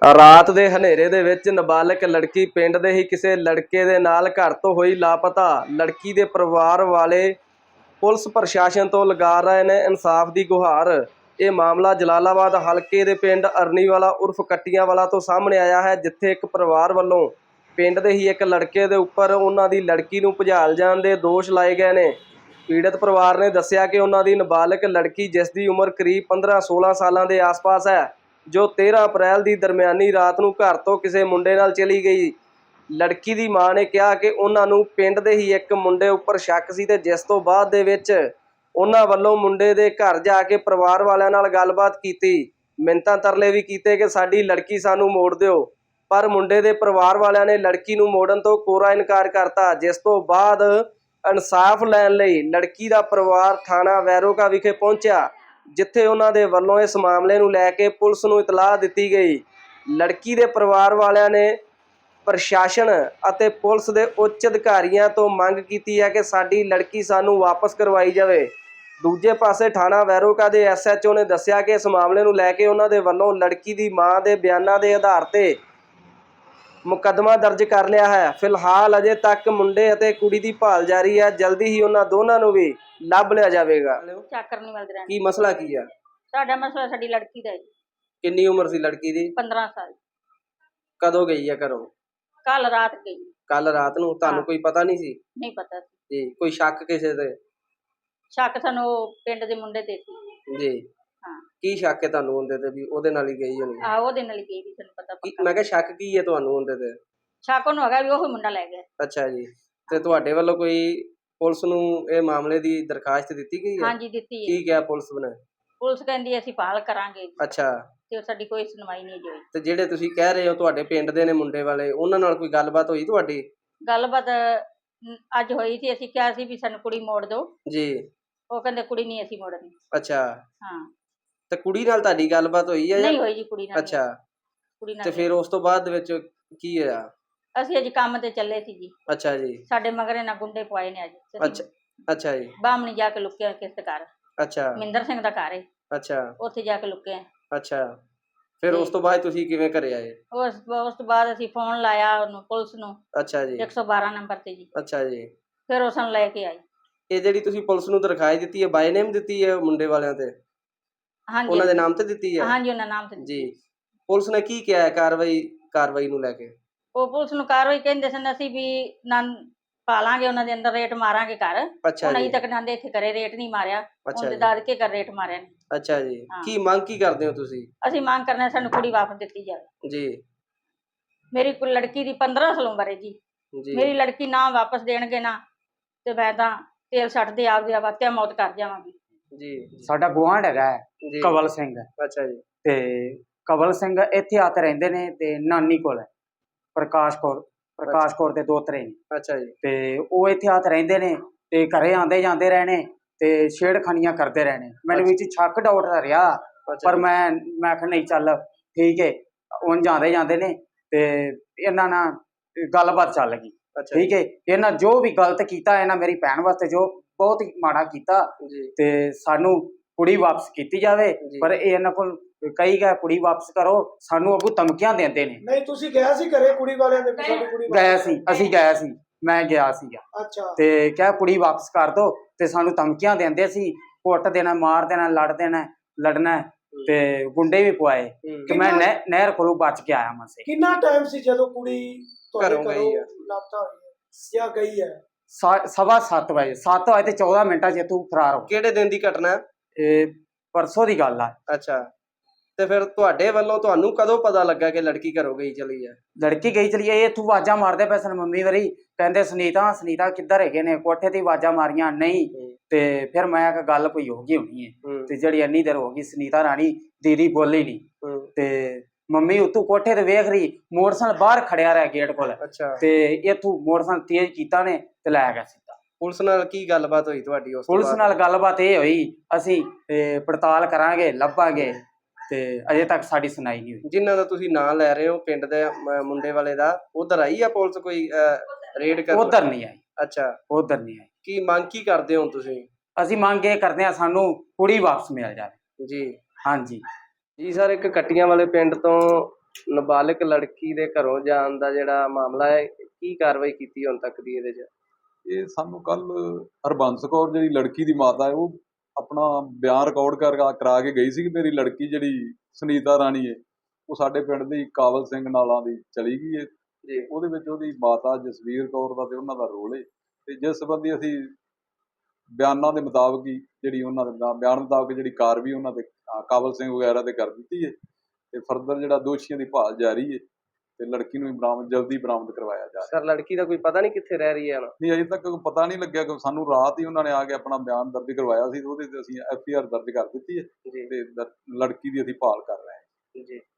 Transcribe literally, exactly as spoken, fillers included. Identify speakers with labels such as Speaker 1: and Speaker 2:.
Speaker 1: ਰਾਤ ਦੇ ਹਨੇਰੇ ਦੇ ਵਿੱਚ ਨਾਬਾਲਗ ਲੜਕੀ ਪਿੰਡ ਦੇ ਹੀ ਕਿਸੇ ਲੜਕੇ ਦੇ ਨਾਲ ਘਰ ਤੋਂ ਹੋਈ ਲਾਪਤਾ। ਲੜਕੀ ਦੇ ਪਰਿਵਾਰ ਵਾਲੇ ਪੁਲਿਸ ਪ੍ਰਸ਼ਾਸਨ ਤੋਂ ਲਗਾ ਰਹੇ ਨੇ ਇਨਸਾਫ ਦੀ ਗੁਹਾਰ। ਇਹ ਮਾਮਲਾ ਜਲਾਲਾਬਾਦ ਹਲਕੇ ਦੇ ਪਿੰਡ ਅਰਨੀਵਾਲਾ ਉਰਫ ਕੱਟੀਆਂ ਵਾਲਾ ਤੋਂ ਸਾਹਮਣੇ ਆਇਆ ਹੈ, ਜਿੱਥੇ ਇੱਕ ਪਰਿਵਾਰ ਵੱਲੋਂ ਪਿੰਡ ਦੇ ਹੀ ਇੱਕ ਲੜਕੇ ਦੇ ਉੱਪਰ ਉਹਨਾਂ ਦੀ ਲੜਕੀ ਨੂੰ ਭਜਾਲ ਜਾਣ ਦੇ ਦੋਸ਼ ਲਾਏ ਗਏ ਨੇ। ਪੀੜਤ ਪਰਿਵਾਰ ਨੇ ਦੱਸਿਆ ਕਿ ਉਹਨਾਂ ਦੀ ਨਾਬਾਲਗ ਲੜਕੀ, ਜਿਸ ਦੀ ਉਮਰ ਕਰੀਬ ਪੰਦਰਾਂ ਸੋਲਾਂ ਸਾਲਾਂ ਦੇ ਆਸ-ਪਾਸ ਹੈ, ਜੋ ਤੇਰਾਂ ਅਪ੍ਰੈਲ ਦੀ ਦਰਮਿਆਨੀ ਰਾਤ ਨੂੰ ਘਰ ਤੋਂ ਕਿਸੇ ਮੁੰਡੇ ਨਾਲ ਚਲੀ ਗਈ। ਲੜਕੀ ਦੀ ਮਾਂ ਨੇ ਕਿਹਾ ਕਿ ਉਹਨਾਂ ਨੂੰ ਪਿੰਡ ਦੇ ਹੀ ਇੱਕ ਮੁੰਡੇ ਉੱਪਰ ਸ਼ੱਕ ਸੀ ਤੇ ਜਿਸ ਤੋਂ ਬਾਅਦ ਦੇ ਵਿੱਚ ਉਹਨਾਂ ਵੱਲੋਂ ਮੁੰਡੇ ਦੇ ਘਰ ਜਾ ਕੇ ਪਰਿਵਾਰ ਵਾਲਿਆਂ ਨਾਲ ਗੱਲਬਾਤ ਕੀਤੀ, ਮਿੰਨਤਾਂ ਤਰਲੇ ਵੀ ਕੀਤੇ ਕਿ ਸਾਡੀ ਲੜਕੀ ਸਾਨੂੰ ਮੋੜ ਦਿਓ, ਪਰ ਮੁੰਡੇ ਦੇ ਪਰਿਵਾਰ ਵਾਲਿਆਂ ਨੇ ਲੜਕੀ ਨੂੰ ਮੋੜਨ ਤੋਂ ਕੋਰਾ ਇਨਕਾਰ ਕਰਤਾ। ਜਿਸ ਤੋਂ ਬਾਅਦ ਇਨਸਾਫ ਲੈਣ ਲਈ ਲੜਕੀ ਦਾ ਪਰਿਵਾਰ ਥਾਣਾ ਵੈਰੋਗਾ ਵਿਖੇ ਪਹੁੰਚਿਆ, ਜਿੱਥੇ ਉਹਨਾਂ ਦੇ ਵੱਲੋਂ ਇਸ ਮਾਮਲੇ ਨੂੰ ਲੈ ਕੇ ਪੁਲਿਸ ਨੂੰ ਇਤਲਾਹ ਦਿੱਤੀ ਗਈ। ਲੜਕੀ ਦੇ ਪਰਿਵਾਰ ਵਾਲਿਆਂ ਨੇ ਪ੍ਰਸ਼ਾਸਨ ਅਤੇ ਪੁਲਿਸ ਦੇ ਉੱਚ ਅਧਿਕਾਰੀਆਂ ਤੋਂ ਮੰਗ ਕੀਤੀ ਹੈ ਕਿ ਸਾਡੀ ਲੜਕੀ ਸਾਨੂੰ ਵਾਪਸ ਕਰਵਾਈ ਜਾਵੇ। ਦੂਜੇ ਪਾਸੇ ਥਾਣਾ ਵੈਰੋਗਾ ਦੇ ਐਸ ਐਚ ਓ ਨੇ ਦੱਸਿਆ ਕਿ ਇਸ ਮਾਮਲੇ ਨੂੰ ਲੈ ਕੇ ਉਹਨਾਂ ਦੇ ਵੱਲੋਂ ਲੜਕੀ ਦੀ ਮਾਂ ਦੇ ਬਿਆਨਾਂ ਦੇ ਆਧਾਰ ਤੇ ਮੁਕੱਦਮਾ ਦਰਜ ਕਰ ਲਿਆ ਹੈ। ਫਿਲਹਾਲ ਅਜੇ ਤੱਕ ਮੁੰਡੇ ਅਤੇ ਕੁੜੀ ਦੀ ਭਾਲ ਜਾਰੀ ਹੈ। ਜਲਦੀ ਹੀ ਉਹਨਾਂ ਦੋਨਾਂ ਨੂੰ ਵੀ ਲੱਭ ਲਿਆ ਜਾਵੇਗਾ।
Speaker 2: ਚੱਕਰ ਨਹੀਂ ਮਿਲਦੇ ਰਹਿੰਦੇ।
Speaker 1: ਕੀ ਮਸਲਾ ਕੀ ਹੈ?
Speaker 2: ਸਾਡਾ ਮਸਲਾ ਸਾਡੀ ਲੜਕੀ ਦਾ ਹੈ।
Speaker 1: ਕਿੰਨੀ ਉਮਰ ਸੀ ਲੜਕੀ ਦੀ?
Speaker 2: ਪੰਦਰਾਂ ਸਾਲ।
Speaker 1: ਕਦੋਂ ਗਈ ਹੈ ਘਰੋਂ?
Speaker 2: ਕੱਲ ਰਾਤ ਗਈ।
Speaker 1: ਕੱਲ ਰਾਤ ਨੂੰ? ਤੁਹਾਨੂੰ ਕੋਈ ਪਤਾ ਨਹੀਂ ਸੀ?
Speaker 2: ਨਹੀਂ ਪਤਾ ਸੀ
Speaker 1: ਜੀ। ਕੋਈ ਸ਼ੱਕ ਕਿਸੇ ਤੇ?
Speaker 2: ਸ਼ੱਕ ਸਾਨੂੰ ਪਿੰਡ ਦੇ ਮੁੰਡੇ ਤੇ ਸੀ
Speaker 1: ਜੀ।
Speaker 2: ਹਾਂ।
Speaker 1: ਕੀ ਸ਼ੱਕ ਹੈ ਤੁਹਾਨੂੰ ਉਹਦੇ ਤੇ ਵੀ ਉਹਦੇ ਨਾਲ ਹੀ ਗਈ ਹੋਣੀ?
Speaker 2: ਆ ਉਹਦੇ ਨਾਲ ਹੀ ਗਈ ਵੀ ਸਾਨੂੰ ਪਤਾ ਪੱਕਾ।
Speaker 1: ਮੈਂ ਕਿਹਾ ਸ਼ੱਕ ਕੀ ਹੈ ਤੁਹਾਨੂੰ ਉਹਦੇ ਤੇ?
Speaker 2: ਸ਼ੱਕ ਉਹਨੂੰ ਹੈਗਾ ਵੀ ਉਹ ਮੁੰਡਾ ਲੈ ਗਿਆ।
Speaker 1: ਅੱਛਾ ਜੀ। ਤੇ ਤੁਹਾਡੇ ਵੱਲੋਂ ਕੋਈ ਪੁਲਿਸ ਨੂੰ ਇਹ ਮਾਮਲੇ ਦੀ ਦਰਖਾਸਤ ਦਿੱਤੀ ਗਈ ਹੈ?
Speaker 2: ਹਾਂਜੀ ਦਿੱਤੀ ਹੈ।
Speaker 1: ਕੀ ਕਿਹਾ ਪੁਲਿਸ ਨੇ?
Speaker 2: ਪੁਲਿਸ ਕਹਿੰਦੀ ਅਸੀਂ ਭਾਲ ਕਰਾਂਗੇ।
Speaker 1: ਅੱਛਾ।
Speaker 2: ਤੇ ਸਾਡੀ ਕੋਈ ਸੁਣਵਾਈ ਨਹੀਂ ਹੋਈ।
Speaker 1: ਤੇ ਜਿਹੜੇ ਤੁਸੀਂ ਕਹਿ ਰਹੇ ਹੋ ਤੁਹਾਡੇ ਪਿੰਡ ਦੇ ਨੇ ਮੁੰਡੇ ਵਾਲੇ, ਉਹਨਾਂ ਨਾਲ ਕੋਈ ਗੱਲਬਾਤ ਹੋਈ ਤੁਹਾਡੀ?
Speaker 2: ਗੱਲਬਾਤ ਅੱਜ ਹੋਈ ਸੀ। ਅਸੀਂ ਕਿਹਾ ਸੀ ਵੀ ਸਾਨੂੰ ਕੁੜੀ ਮੋੜ ਦਿਓ
Speaker 1: ਜੀ।
Speaker 2: ਉਹ ਕਹਿੰਦੇ ਕੁੜੀ ਨਹੀਂ ਅਸੀਂ ਮੋੜਨੀ।
Speaker 1: ਅੱਛਾ।
Speaker 2: ਹਾਂ।
Speaker 1: ਤੇ ਕੁੜੀ ਨਾਲ ਤੁਹਾਡੀ ਗੱਲਬਾਤ ਹੋਈ ਹੈ?
Speaker 2: ਨਹੀਂ ਹੋਈ ਜੀ ਕੁੜੀ ਨਾਲ।
Speaker 1: ਅੱਛਾ।
Speaker 2: ਕੁੜੀ ਨਾਲ।
Speaker 1: ਤੇ ਫਿਰ ਉਸ ਤੋਂ ਬਾਅਦ ਦੇ ਵਿੱਚ ਕੀ ਹੋਇਆ?
Speaker 2: ਅਸੀਂ ਅੱਜ ਕੰਮ ਤੇ ਚੱਲੇ ਸੀ ਜੀ।
Speaker 1: ਅੱਛਾ ਜੀ।
Speaker 2: ਸਾਡੇ ਮਗਰੇ ਨਾ ਗੁੰਡੇ ਪਵਾਏ ਨੇ ਅੱਜ।
Speaker 1: ਅੱਛਾ। ਅੱਛਾ ਜੀ।
Speaker 2: ਬਾਹਮਣੀ ਜਾ ਕੇ ਲੁੱਕਿਆ ਕਿਸ ਦੇ ਘਰ।
Speaker 1: ਅੱਛਾ।
Speaker 2: ਮਿੰਦਰ ਸਿੰਘ ਦਾ ਘਰ ਹੈ।
Speaker 1: ਅੱਛਾ।
Speaker 2: ਉੱਥੇ ਜਾ ਕੇ ਲੁੱਕੇ।
Speaker 1: ਅੱਛਾ। ਫਿਰ ਉਸ ਤੋਂ ਬਾਅਦ ਤੁਸੀਂ ਕਿਵੇਂ ਘਰੇ ਆਏ?
Speaker 2: ਉਸ ਉਸ ਤੋਂ ਬਾਅਦ ਅਸੀਂ ਫੋਨ ਲਾਇਆ ਉਹਨੂੰ, ਪੁਲਿਸ ਨੂੰ।
Speaker 1: ਅੱਛਾ ਜੀ।
Speaker 2: ਇੱਕ ਸੌ ਬਾਰਾਂ ਨੰਬਰ ਤੇ ਜੀ।
Speaker 1: ਅੱਛਾ ਜੀ।
Speaker 2: ਫਿਰ ਉਹ ਸਾਨੂੰ ਲੈ ਕੇ ਆਈ।
Speaker 1: ਇਹ ਜਿਹੜੀ ਤੁਸੀਂ ਪੁਲਿਸ ਨੂੰ ਦਰਖਾਸਤ ਦਿੱਤੀ ਹੈ, ਬਾਈ ਨੇਮ ਦਿੱਤੀ ਹੈ ਮੁੰਡੇ ਵਾਲਿਆਂ ਤੇ?
Speaker 2: ਹਾਂਜੀ।
Speaker 1: ਉਹਨਾਂ ਦੇ ਨਾਮ ਤੇ ਦਿੱਤੀ ਹੈ?
Speaker 2: ਹਾਂਜੀ ਉਹਨਾਂ ਨਾਮ ਤੇ
Speaker 1: ਜੀ। ਪੁਲਿਸ ਨੇ ਕੀ ਕਿਹਾ ਕਾਰਵਾਈ ਕਾਰਵਾਈ ਨੂੰ ਲੈ ਕੇ?
Speaker 2: ਉਹ ਪੁਲਿਸ ਨੂੰ ਕਾਰਵਾਈ ਕਹਿੰਦੇ ਸਨ ਅਸੀਂ ਵੀ ਨਾ ਪਾਲਾਂਗੇ, ਉਹਨਾਂ ਦੇ ਅੰਦਰ ਰੇਟ ਮਾਰਾਂਗੇ ਘਰ।
Speaker 1: ਅੱਛਾ
Speaker 2: ਹੁਣ
Speaker 1: ਜੀ।
Speaker 2: ਅਜੇ ਤੱਕ ਨਾਂਦੇ ਇੱਥੇ ਘਰੇ ਰੇਟ ਨਹੀਂ ਮਾਰਿਆ।
Speaker 1: ਅੱਛਾ
Speaker 2: ਉਹਦੇ
Speaker 1: ਜੀ।
Speaker 2: ਦਾਦਕੇ ਘਰ ਰੇਟ ਮਾਰਿਆ ਨੇ।
Speaker 1: ਅੱਛਾ ਜੀ। ਕੀ ਮੰਗ ਕੀ ਕਰਦੇ ਹੋ ਤੁਸੀਂ?
Speaker 2: ਅਸੀਂ ਮੰਗ ਕਰਨਾ ਸਾਨੂੰ ਕੁੜੀ ਵਾਪਸ ਦਿੱਤੀ ਜਾਵੇ
Speaker 1: ਜੀ।
Speaker 2: ਮੇਰੀ ਕੁ ਲੜਕੀ ਦੀ ਪੰਦਰਾਂ ਸਾਲ ਉਮਰ ਹੈ ਜੀ।
Speaker 1: ਜੀ।
Speaker 2: ਮੇਰੀ ਲੜਕੀ ਨਾ ਵਾਪਸ ਦੇਣਗੇ ਨਾ ਤੇ ਮੈਂ ਤਾਂ ਤੇਲ ਛੱਡਦੇ ਆਪਦੇ ਆਵਾਤਿਆ ਮੌਤ ਕਰ ਜਾਵਾਂਗੀ
Speaker 1: ਜੀ।
Speaker 3: ਸਾਡਾ ਗੁਆਂਢ ਹੈਗਾ
Speaker 1: ਜੀ।
Speaker 3: ਕਵਲ ਸਿੰਘ।
Speaker 1: ਅੱਛਾ ਜੀ।
Speaker 3: ਤੇ ਕਵਲ ਸਿੰਘ ਇੱਥੇ ਆ ਕੇ ਰਹਿੰਦੇ ਨੇ ਤੇ ਨਾਨੀ ਕੋਲ ਹੈ ਪ੍ਰਕਾਸ਼ ਕੌਰ ਪ੍ਰਕਾਸ਼ ਕੌਰ ਦੇ ਦੋਤਰੇ ਨੇ।
Speaker 1: ਅੱਛਾ ਜੀ।
Speaker 3: ਤੇ ਉਹ ਇੱਥੇ ਆ ਕੇ ਰਹਿੰਦੇ ਨੇ ਤੇ ਘਰੇ ਆਂਦੇ ਜਾਂਦੇ ਰਹਿਣੇ ਤੇ ਛੇੜਖਾਨੀਆਂ ਕਰਦੇ ਰਹਿਣੇ। ਮੈਨੂੰ ਵਿੱਚ ਸ਼ੱਕ ਡਾਊਟ ਰਿਹਾ, ਪਰ ਮੈਂ ਮੈਂ ਕਿਹਾ ਨਹੀਂ ਚੱਲ ਠੀਕ ਹੈ। ਉਹ ਜਾਂਦੇ ਜਾਂਦੇ ਨੇ ਤੇ ਇਹਨਾਂ ਨਾਲ ਗੱਲਬਾਤ ਚੱਲ ਗਈ। ਠੀਕ ਹੈ। ਇਹਨਾਂ ਜੋ ਵੀ ਗਲਤ ਕੀਤਾ ਇਹਨਾਂ ਮੇਰੀ ਭੈਣ ਵਾਸਤੇ ਜੋ ਬਹੁਤ ਹੀ ਮਾੜਾ ਕੀਤਾ ਤੇ ਸਾਨੂੰ ਕੁੜੀ ਵਾਪਸ ਕੀਤੀ ਜਾਵੇ। ਪਰ ਇਹ ਇਹਨਾਂ ਕੋਲ ਕਈ ਗਏ ਕੁੜੀ ਵਾਪਸ ਕਰੋ, ਸਾਨੂੰ ਅੱਗੋਂ ਧਮਕੀਆਂ ਦਿੰਦੇ ਨੇ।
Speaker 4: ਨਹੀਂ ਤੁਸੀਂ ਗਿਆ ਸੀ ਘਰੇ ਕੁੜੀ ਵਾਲਿਆਂ ਦੇ? ਸਾਡੀ ਕੁੜੀ
Speaker 3: ਗਿਆ ਸੀ, ਅਸੀਂ ਗਿਆ ਸੀ, ਮੈਂ ਗਿਆ ਸੀਗਾ।
Speaker 4: ਅੱਛਾ।
Speaker 3: ਤੇ ਕਿਹਾ ਕੁੜੀ ਵਾਪਸ ਕਰ ਦੋ ਤੇ ਸਾਨੂੰ ਧਮਕੀਆਂ ਦਿੰਦੇ ਸੀ, ਕੁੱਟ ਦੇਣਾ, ਮਾਰ ਦੇਣਾ, ਲੜ ਦੇਣਾ, ਲੜਨਾ ਤੇ ਗੁੰਡੇ ਵੀ ਪਵਾਏ ਕਿ ਮੈਂ ਨਹਿਰ ਕੋਲੋਂ ਬਚ ਕੇ ਆਇਆ ਮਸੇ।
Speaker 4: ਕਿੰਨਾ ਟਾਈਮ ਸੀ ਜਦੋਂ ਕੁੜੀ
Speaker 1: ਘਰੋਂ ਗਈ ਹੈ?
Speaker 4: ਲਾਪਤਾ ਹੋਈ ਹੈ ਜਾਂ ਗਈ ਹੈ?
Speaker 3: ਸਵਾ ਸੱਤ ਵਜੇ ਸੱਤ ਵਜੇ ਤੇ ਚੌਦਾਂ ਮਿੰਟਾਂ ਚ ਤੂੰ ਫਰਾਰ ਹੋ।
Speaker 1: ਕਿਹੜੇ ਦਿਨ ਦੀ ਘਟਨਾ?
Speaker 3: ਇਹ ਪਰਸੋਂ ਦੀ ਗੱਲ ਆ।
Speaker 1: ਅੱਛਾ। ਤੇ ਫਿਰ ਤੁਹਾਡੇ ਵੱਲੋਂ ਤੁਹਾਨੂੰ ਕਦੋਂ ਪਤਾ ਲੱਗਾ ਕਿ ਲੜਕੀ ਘਰੋਂ ਗਈ ਚਲੀ ਹੈ?
Speaker 3: ਲੜਕੀ ਗਈ ਚਲੀ ਹੈ। ਇਹ ਤੂੰ ਆਵਾਜ਼ਾਂ ਮਾਰਦੇ ਪਏ ਸਨ ਮੰਮੀ ਵਾਰੀ, ਕਹਿੰਦੇ ਸੁਨੀਤਾ ਸੁਨੀਤਾ ਕਿੱਧਰ ਹੈਗੇ ਨੇ? ਕੋਠੇ ਤੇ ਆਵਾਜ਼ਾਂ ਮਾਰੀਆਂ ਨਹੀਂ। ਤੇ ਫਿਰ ਮੈਂ ਕਿਹਾ ਗੱਲ ਕੋਈ ਹੋ ਗਈ ਹੋਣੀ ਹੈ। ਤੇ ਜਿਹੜੀ ਇੰਨੀ ਦੇਰ ਹੋ ਗਈ ਸੁਨੀਤਾ ਰਾਣੀ ਦੀਦੀ ਬੋਲੀ ਨਹੀਂ। ਤੇ ਮੰਮੀ ਉਤੋਂ ਕੋਠੇ ਤੇ ਵੇਖ ਰਹੀ, ਮੋਟਰਸਾਈਕਲ ਬਾਹਰ ਖੜਿਆ ਰਿਹਾ ਗੇਟ ਕੋਲ। ਤੇ ਇਥੋਂ ਮੋਟਰਸਾਈਕਲ ਤੇਜ਼ ਕੀਤਾ ਨੇ ਤੇ ਲੈ ਗਿਆ ਸਿੱਧਾ।
Speaker 1: ਪੁਲਿਸ ਨਾਲ ਕੀ ਗੱਲਬਾਤ ਹੋਈ ਤੁਹਾਡੀ? ਉਸ
Speaker 3: ਪੁਲਿਸ ਨਾਲ ਗੱਲਬਾਤ ਇਹ ਹੋਈ ਅਸੀਂ ਪੜਤਾਲ ਕਰਾਂਗੇ, ਲੱਭਾਂਗੇ, ਤੇ ਅਜੇ ਤੱਕ ਸਾਡੀ ਸੁਣਾਈ ਨਹੀਂ ਹੋਈ।
Speaker 1: ਜਿਨ੍ਹਾਂ ਦਾ ਤੁਸੀਂ ਨਾਂ ਲੈ ਰਹੇ ਹੋ ਪਿੰਡ ਦੇ ਮੁੰਡੇ ਵਾਲੇ ਦਾ, ਉਧਰ ਆਈ ਆ ਪੁਲਿਸ ਕੋਈ ਰੇਡ ਕਰ?
Speaker 3: ਉਧਰ ਨਹੀਂ ਆਈ।
Speaker 1: ਅੱਛਾ।
Speaker 3: ਉਧਰ ਨਹੀਂ ਆਈ।
Speaker 1: ਕੀ ਮੰਗ ਕੀ ਕਰਦੇ ਹੋ ਤੁਸੀਂ?
Speaker 3: ਅਸੀਂ ਮੰਗ ਇਹ ਕਰਦੇ ਹਾਂ ਸਾਨੂੰ ਕੁੜੀ ਵਾਪਸ ਮਿਲ ਜਾਵੇ।
Speaker 1: ਜੀ।
Speaker 3: ਹਾਂਜੀ
Speaker 1: ਜੀ ਸਰ, ਇੱਕ ਕੱਟੀਆਂ ਵਾਲੇ ਪਿੰਡ ਤੋਂ ਨਾਬਾਲਗ ਲੜਕੀ ਦੇ ਘਰੋਂ ਜਾਣ ਦਾ ਜਿਹੜਾ ਮਾਮਲਾ ਹੈ, ਕੀ ਕਾਰਵਾਈ ਕੀਤੀ ਹੁਣ ਤੱਕ ਦੀ ਇਹਦੇ 'ਚ?
Speaker 5: ਇਹ ਸਾਨੂੰ ਕੱਲ ਹਰਬੰਸ ਕੌਰ ਜਿਹੜੀ ਲੜਕੀ ਦੀ ਮਾਤਾ ਹੈ ਉਹ ਆਪਣਾ ਬਿਆਨ ਰਿਕਾਰਡ ਕਰ ਕਰਾ ਕੇ ਗਈ ਸੀ ਕਿ ਮੇਰੀ ਲੜਕੀ ਜਿਹੜੀ ਸੁਨੀਤਾ ਰਾਣੀ ਹੈ ਉਹ ਸਾਡੇ ਪਿੰਡ ਦੀ ਕਾਬਲ ਸਿੰਘ ਨਾਲਾਂ ਦੀ ਚਲੀ ਗਈ ਹੈ
Speaker 1: ਜੀ।
Speaker 5: ਉਹਦੇ ਵਿੱਚ ਉਹਦੀ ਮਾਤਾ ਜਸਵੀਰ ਕੌਰ ਦਾ ਤੇ ਉਹਨਾਂ ਦਾ ਰੋਲ ਹੈ ਤੇ ਜਿਸ ਸੰਬੰਧੀ ਅਸੀਂ ਬਿਆਨਾਂ ਦੇ ਮੁਤਾਬਕ ਹੀ ਜਿਹੜੀ ਉਹਨਾਂ ਦੇ ਬਿਆਨ ਮੁਤਾਬਕ ਜਿਹੜੀ ਕਾਰਵਾਈ ਉਹਨਾਂ ਦੇ ਕਾਬਲ ਸਿੰਘ ਵਗੈਰਾ ਤੇ ਕਰ ਦਿੱਤੀ ਹੈ ਤੇ ਫਰਦਰ ਜਿਹੜਾ ਦੋਸ਼ੀਆਂ ਦੀ ਭਾਲ ਜਾਰੀ ਹੈ ਤੇ ਲੜਕੀ ਨੂੰ ਬਰਾਮਦ ਜਲਦੀ ਬਰਾਮਦ ਕਰਵਾਇਆ ਜਾ ਰਿਹਾ।
Speaker 1: ਸਰ ਲੜਕੀ ਦਾ ਕੋਈ ਪਤਾ ਨਹੀਂ ਕਿੱਥੇ ਰਹਿ ਰਹੀ ਹੈ ਹੁਣ?
Speaker 5: ਨਹੀਂ ਅਜੇ ਤੱਕ ਪਤਾ ਨਹੀਂ ਲੱਗਿਆ ਕਿ ਸਾਨੂੰ ਰਾਤ ਹੀ ਉਹਨਾਂ ਨੇ ਆ ਕੇ ਆਪਣਾ ਬਿਆਨ ਦਰਜ ਕਰਵਾਇਆ ਸੀ ਤੇ ਉਹਦੇ ਤੇ ਅਸੀਂ ਐਫ ਆਈ ਆਰ ਦਰਜ ਕਰ ਦਿੱਤੀ ਹੈ
Speaker 1: ਜੀ
Speaker 5: ਤੇ ਲੜਕੀ ਦੀ ਅਸੀਂ ਭਾਲ ਕਰ ਰਹੇ ਹਾਂ।
Speaker 1: ਜੀ।